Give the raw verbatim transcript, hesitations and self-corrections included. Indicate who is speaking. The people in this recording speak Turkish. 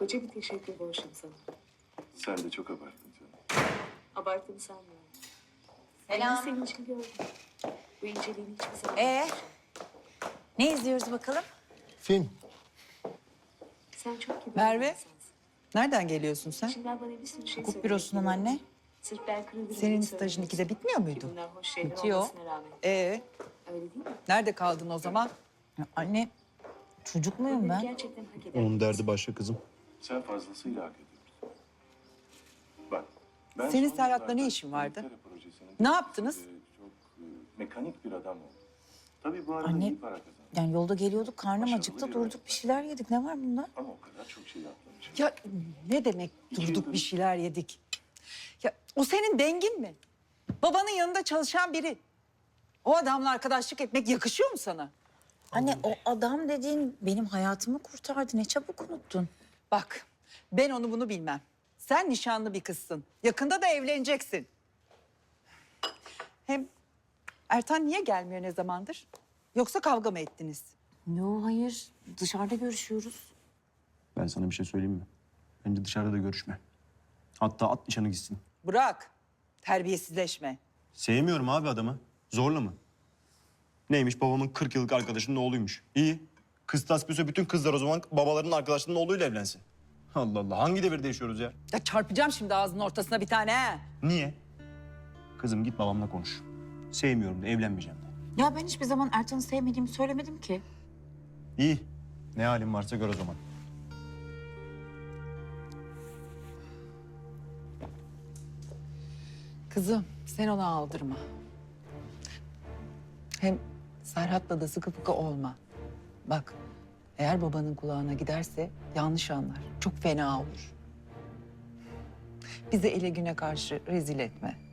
Speaker 1: Koca bir teşekkür borçluyum sana.
Speaker 2: Sen de çok abarttın canım.
Speaker 1: Abarttığımı sanmıyorum.
Speaker 3: Selam.
Speaker 1: Ben senin için gördüm. Bu inceliğini hiçbir zaman
Speaker 3: Ee?
Speaker 1: unutmayacağım.
Speaker 3: Ne izliyoruz bakalım?
Speaker 4: Film.
Speaker 1: Sen çok kibar
Speaker 5: Merve?
Speaker 1: bir insansın.
Speaker 5: Nereden geliyorsun sen?
Speaker 1: Şimdiden bana bir sürü şey
Speaker 3: Hukuk
Speaker 1: söylemek
Speaker 3: bürosundan
Speaker 1: geliyor.
Speaker 3: anne.
Speaker 1: Sırf ben kırıldım.
Speaker 5: Senin stajın ikide bitmiyor muydu?
Speaker 1: Bunlar hoş şeyler
Speaker 5: Bitiyor.
Speaker 1: olmasına rağmen.
Speaker 5: Ee,
Speaker 1: Öyle değil mi?
Speaker 5: nerede kaldın o zaman?
Speaker 3: Ya anne, çocuk muyum
Speaker 1: Bunları
Speaker 3: ben?
Speaker 1: gerçekten hak eder.
Speaker 4: Onun derdi başka kızım.
Speaker 2: Sen fazlasıyla hak ediyorsun. Bak, ben
Speaker 5: Senin
Speaker 2: son
Speaker 5: Serhat'la
Speaker 2: yıllarda
Speaker 5: ne işin vardı?
Speaker 2: İngiltere projesinin
Speaker 5: Ne yaptınız?
Speaker 2: e, Çok e, mekanik bir adam oldu. Tabii bu arada
Speaker 3: Anne,
Speaker 2: iyi para kazandı.
Speaker 3: Yani yolda geliyorduk, karnım
Speaker 2: Başarılı
Speaker 3: acıktı,
Speaker 2: bir
Speaker 3: durduk
Speaker 2: öğretmen.
Speaker 3: bir şeyler yedik. Ne var bunda?
Speaker 2: Ama o kadar çok şey yapmamış.
Speaker 5: Ya ne demek
Speaker 2: İki
Speaker 5: durduk
Speaker 2: yıldır-
Speaker 5: bir şeyler yedik? Ya o senin dengin mi? Babanın yanında çalışan biri. O adamla arkadaşlık etmek yakışıyor mu sana?
Speaker 3: Anne o adam dediğin benim hayatımı kurtardı. Ne çabuk unuttun.
Speaker 5: Bak, ben onu bunu bilmem. Sen nişanlı bir kızsın. Yakında da evleneceksin. Hem Ertan niye gelmiyor ne zamandır? Yoksa kavga mı ettiniz?
Speaker 3: Yo hayır, dışarıda görüşüyoruz.
Speaker 4: Ben sana bir şey söyleyeyim mi? Bence dışarıda da görüşme. Hatta at nişanı gitsin.
Speaker 5: Bırak, terbiyesizleşme.
Speaker 4: Sevmiyorum abi adamı. Zorla mı? Neymiş babamın kırk yıllık arkadaşının oğluymuş. İyi. Kız tasbihse bütün kızlar o zaman babalarının arkadaşlarının oğluyla evlensin. Allah Allah. Hangi devirde yaşıyoruz ya?
Speaker 5: Ya çarpacağım şimdi ağzının ortasına bir tane ha.
Speaker 4: Niye? Kızım git babamla konuş. Sevmiyorum da evlenmeyeceğim de.
Speaker 3: Ya ben hiçbir zaman Ertan'ı sevmediğimi söylemedim ki.
Speaker 4: İyi. Ne halin varsa gör o zaman.
Speaker 5: Kızım sen ona aldırma. Hem Serhat'la da sıkı fıkı olma. Bak eğer babanın kulağına giderse yanlış anlar. Çok fena olur. Bizi ele güne karşı rezil etme.